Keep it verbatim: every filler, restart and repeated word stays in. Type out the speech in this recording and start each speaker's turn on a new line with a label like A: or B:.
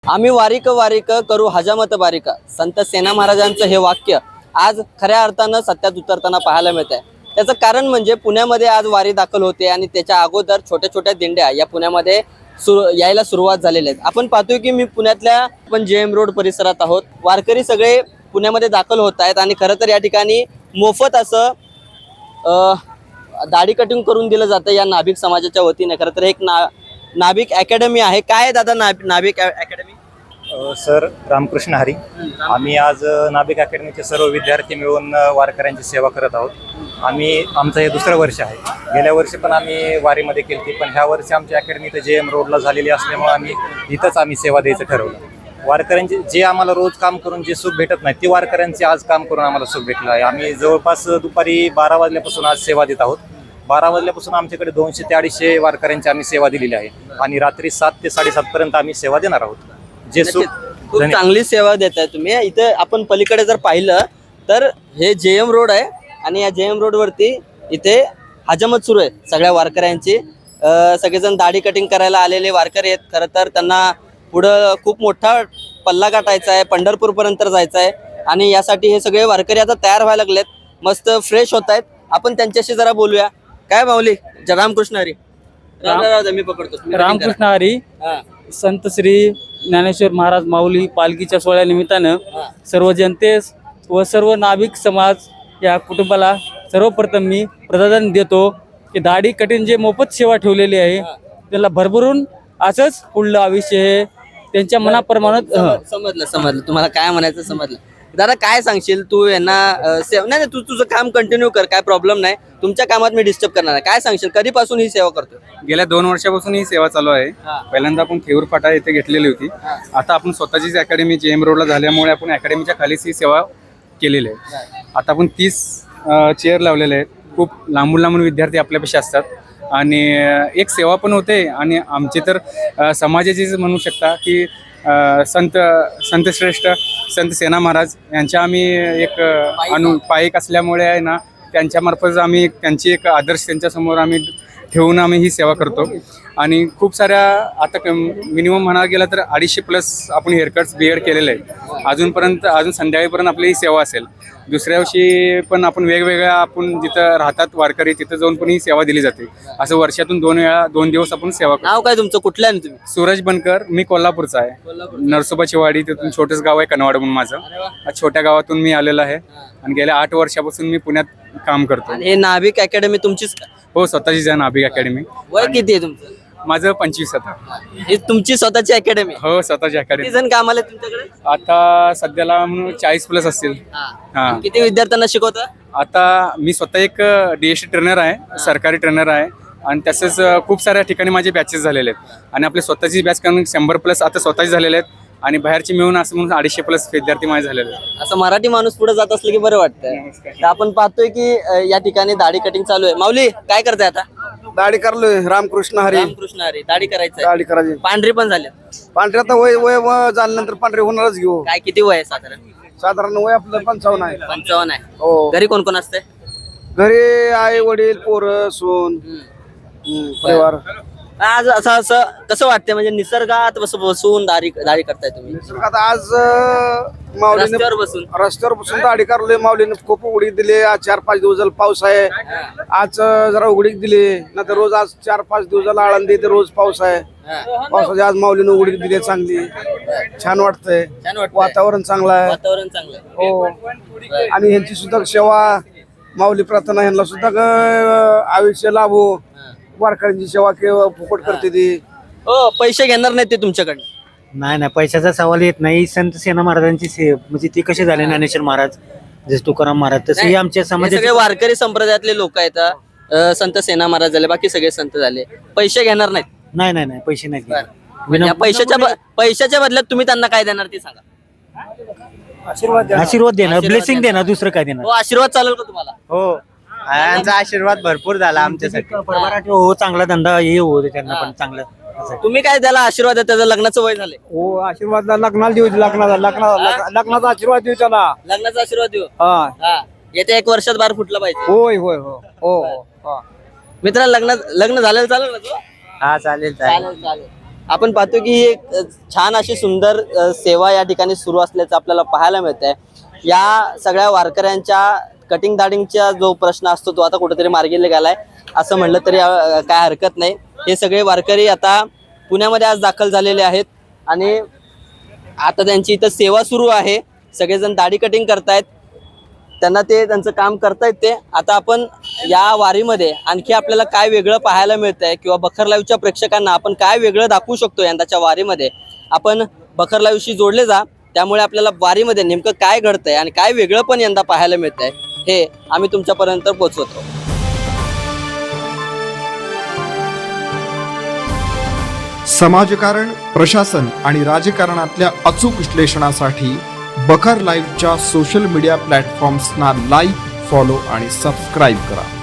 A: आम्ही वारीक वारीक करू हजामत बारीक, संत सेना महाराजांचं हे वाक्य आज खऱ्या अर्थानं सत्यात उतरताना पाहायला मिळत आहे। त्याचं कारण म्हणजे पुण्यामध्ये आज वारी दाखल होते आणि त्याच्या अगोदर छोट्या छोट्या दिंड्या या पुण्यामध्ये सुरू यायला सुरुवात झालेली आहे। आपण पाहतोय की मी पुण्यातल्या आपण जे एम रोड परिसरात आहोत। वारकरी सगळे पुण्यामध्ये दाखल होत आहेत आणि खरं तर या ठिकाणी मोफत असं दाढी कटिंग करून दिलं जातं या नाभिक समाजाच्या वतीने। खरं तर एक ना नाभिक अकॅडमी आहे। काय आहे दादा नाभ नाभिक अकॅडमी?
B: सर रामकृष्ण हरी, आम्ही आज नाभिक अकॅडमीचे सर्व विद्यार्थी मिळून वारकऱ्यांची सेवा करत आहोत। आम्ही आमचं हे दुसरं वर्ष आहे। गेल्या वर्षी पण आम्ही वारीमध्ये केली, पण ह्या वर्षी आमची अकॅडमी तर जे एम रोडला झालेली असल्यामुळे आम्ही इथंच आम्ही सेवा द्यायचं ठरवलं। वारकऱ्यांचे जे आम्हाला रोज काम करून जे सुख भेटत नाही ते वारकऱ्यांचे आज काम करून आम्हाला सुख भेटलं आहे। आम्ही जवळपास दुपारी बारा वाजल्यापासून आज सेवा देत आहोत। बारा वाजल्यापासून आमच्याकडे दोनशे ते अडीचशे वारकऱ्यांची आम्ही सेवा दिलेली आहे आणि रात्री सात ते साडेसात पर्यंत आम्ही सेवा देणार आहोत। जे सुख
A: खूप चांगली सेवा देताय तुम्ही। इथे आपण पलीकडे जर पाहिलं तर हे जे एम रोड आहे आणि या जे एम रोड वरती इथे हजामत सुरू आहे सगळ्या वारकऱ्यांची। सगळेजण दाढी कटिंग करायला आलेले वारकरी आहेत। खरं तर त्यांना पुढं खूप मोठा पल्ला गाठायचा आहे, पंढरपूर पर्यंत जायचं आहे आणि यासाठी हे सगळे वारकरी आता तयार व्हायला लागलेत, मस्त फ्रेश होत आहेत। आपण त्यांच्याशी जरा बोलूया। काय माऊली? रामकृष्ण हरी। राम राम मी पकडतो।
C: रामकृष्ण हरी। संत श्री ज्ञानेश्वर महाराज माऊली पालखीच्या सोहळ्या निमित्तानं सर्व जनतेस व सर्व नाभिक समाज या कुटुंबाला सर्वप्रथम मी प्रतिदान देतो की दाढी कटिंग जे मोफत सेवा ठेवलेली आहे त्याला भरभरून असंच पुढलं आयुष्य हे त्यांच्या मनाप्रमाणे।
A: समजलं समजलं तुम्हाला काय म्हणायचं समजलं। दादा काय सांगशील तू यांना? सेवा नाही तू तुझं काम कंटिन्यू कर, काय प्रॉब्लेम नाही। तुमच्या कामात मी डिस्टर्ब करणार नाही। काय सांगशील कधीपासून ही सेवा करतो?
D: गेल्या दोन वर्षापासून ही सेवा चालू आहे। पहिल्यांदा आपण थेऊर फाटा येथे घेतलेली होती, आता आपण स्वतःचीच अकॅडमी जे एम रोडला झाल्यामुळे आपण अकॅडमीच्या खालीच ही सेवा केलेली आहे। आता आपण तीस चेअर लावलेले आहेत। खूप लांबून लांबून विद्यार्थी आपल्यापेक्षा असतात आणि एक सेवा पण होते आणि आमची तर समाजाचीच म्हणू शकता की संत संत श्रेष्ठ संत सेना महाराज यांच्या आम्ही एक अनु पायिक असल्यामुळे आहे ना, त्यांच्यामार्फत आम्ही त्यांची एक आदर्श त्यांच्यासमोर आम्ही ठेवून आम्ही ही सेवा करतो। आणि खूप साऱ्या आता मिनिमम म्हणायला गेलं तर अडीचशे प्लस आपण हेअरकट्स बिअर्ड केलेले आहेत। अजूनपर्यंत अजून संध्याकाळीपर्यंत आपली ही सेवा असेल। दुसऱ्या दिवशी पण आपण वेगवेगळ्या आपण जिथं राहतात वारकरी तिथं जाऊन पण ही सेवा दिली जाते। असं वर्षातून दोन वेळा दोन दिवस आपण सेवा करतो।
A: नाव काय तुमचं? कुठलं आहे तुम्ही?
D: सूरज बनकर, मी कोल्हापूरचा आहे। नरसोबाची वाडी तिथून छोटंच गाव आहे कनवाड म्हणून माझं। छोट्या गावातून मी आलेलो आहे आणि गेल्या आठ वर्षापासून मी पुण्यात काम करतो।
A: हे नाभिक अकॅडमी तुमचीच?
D: हो, स्वतःचीच आहे नाभिक अकॅडमी।
A: वय किती आहे तुमचं?
D: माझं पंचवीस आता।
A: ही तुमची स्वतःची अकॅडमी?
D: हो, स्वतःची अकॅडमी।
A: किती जण कामाला आहेत तुमच्याकडे?
D: आता सध्याला म्हणून चाळीस प्लस असतील।
A: हा, किती विद्यार्थ्यांना शिकवता?
D: आता मी स्वतः एक डीएसटी ट्रेनर आहे, सरकारी ट्रेनर आहे आणि तसेच खूप साऱ्या ठिकाणी माझे बॅचेस झालेले आहेत आणि आपले स्वतःची बॅच करून शंभर प्लस आता स्वतःचे झालेले आहेत आणि बाहेरची मिळून असं म्हणून अडीचशे प्लस विद्यार्थी माझे झालेले आहेत।
A: असं मराठी माणूस पुढे जात असलं की बरं वाटतं। तर आपण पाहतोय की या ठिकाणी दाढी कटिंग चालू आहे। माऊली काय करताय आता?
E: दाढी करलोय। रामकृष्ण हरी।
A: रामकृष्ण हरी। दाढी करायचं?
E: दाढी करायची।
A: पांढरी पण झाली?
E: पांढरी आता वय वय व झाल्यानंतर पांढरी होणारच घेऊ।
A: काय किती वय आहे साधारण?
E: साधारण वय आपलं पंचावन्न आहे।
A: पंचावन्न आहे?
E: हो।
A: घरी कोण कोण असते?
E: घरी आई वडील पोरं सून परिवार।
A: आज असं असं कसं वाटतंय म्हणजे निसर्गात बस बसून दाढी दाढी करताय तुम्ही?
E: आता आज माऊलीने
A: रस्त्यावर बसून
E: रस्त्यावर बसून दाढी करलोय। माऊलीने खूप उघडीक दिली। आज चार पाच दिवस झाला पाऊस आहे, आज जरा उघडीक दिली, नाही रोज आज चार पाच दिवस झाला आळंदी तर रोज पाऊस आहे। पावसाची आज माऊलीने उघडीक दिली चांगली, छान वाटतंय। वातावरण चांगलं आहे।
A: वातावरण चांगलं आहे।
E: हो। आणि ह्यांची सुद्धा सेवा माऊली प्रार्थना ह्यांना सुद्धा आयुष्य लाभो। वारकऱ्यांची सेवा केव्हा फुकट करते ती।
A: हो, पैसे घेणार नाही ते तुमच्याकडे?
C: नाही नाही, पैशाचा सवाल येत नाही। संत सेना महाराजांची से म्हणजे ती कशी झाले ज्ञानेश्वर महाराज जसे तुकाराम महाराज तसे आमच्या समाजाचे
A: सगळे वारकरी संप्रदायातले लोक आहेत। संत सेना महाराज झाले, बाकी सगळे संत झाले, पैसे घेणार नाहीत?
C: नाही नाही नाही, पैसे नाही घेणार।
A: या पैशाच्या ब- पैशाच्या बदल्यात तुम्ही त्यांना काय देणार ते सांगा?
C: आशीर्वाद आशीर्वाद देणार, ब्लेसिंग देणार, दुसरं काय देणार?
A: हो, आशीर्वाद चालेल का तुम्हाला?
C: हो, यांचा आशीर्वाद भरपूर झाला आमच्यासाठी। हो, चांगला धंदा हे हो त्यांना पण चांगलं।
A: तुम्ही काय त्याला आशीर्वाद आहे? त्याचं लग्नाचं वय झालंय?
E: हो, आशीर्वाद लग्नाला देऊ, लग्नाला लग्नाला लग्नाचा आशीर्वाद देऊ त्याला।
A: लग्नाचा आशीर्वाद देऊ?
E: हा
A: हा, येत्या एक वर्षात बार फुटला पाहिजे।
E: होय होय हो हो हो।
A: मित्रा लग्न लग्न झालेलं चालेल ना तू?
C: हा चालेल
A: चालेल चालेल। आपण पाहतो की ही एक अ, छान अशी सुंदर अ, सेवा या ठिकाणी सुरू असल्याचं आपल्याला पाहायला मिळत आहे. या सगळ्या वारकऱ्यांच्या कटिंग दाढींचा जो प्रश्न असतो तो आता कुठेतरी मार्गी गेलाय असं म्हणलं तरी अ, काय हरकत नाही. हे सगळे वारकरी आता पुण्यामध्ये आज दाखल झालेले आहेत आणि आता त्यांची इथं सेवा सुरू आहे. सगळेजण दाढी कटिंग करतायत, त्यांना ते त्यांचं काम करतायत ते. आता आपण या वारीमध्ये आणखी आपल्याला काय वेगळं पाहायला मिळतंय किंवा बखर लाईव्हच्या प्रेक्षकांना आपण काय वेगळं दाखवू शकतो यंदाच्या वारीमध्ये, आपण बखर लाईव्हशी जोडले जा. त्यामुळे आपल्याला वारीमध्ये नेमकं काय घडतंय आणि काय वेगळं पण यंदा पाहायला मिळतंय हे आम्ही तुमच्यापर्यंत पोहोचवतो.
F: समाजकारण, प्रशासन आणि राजकारणातल्या अचूक विश्लेषणासाठी बखर लाईव्हच्या सोशल मीडिया प्लॅटफॉर्म्सना लाईक, फॉलो आणि सबस्क्राईब करा.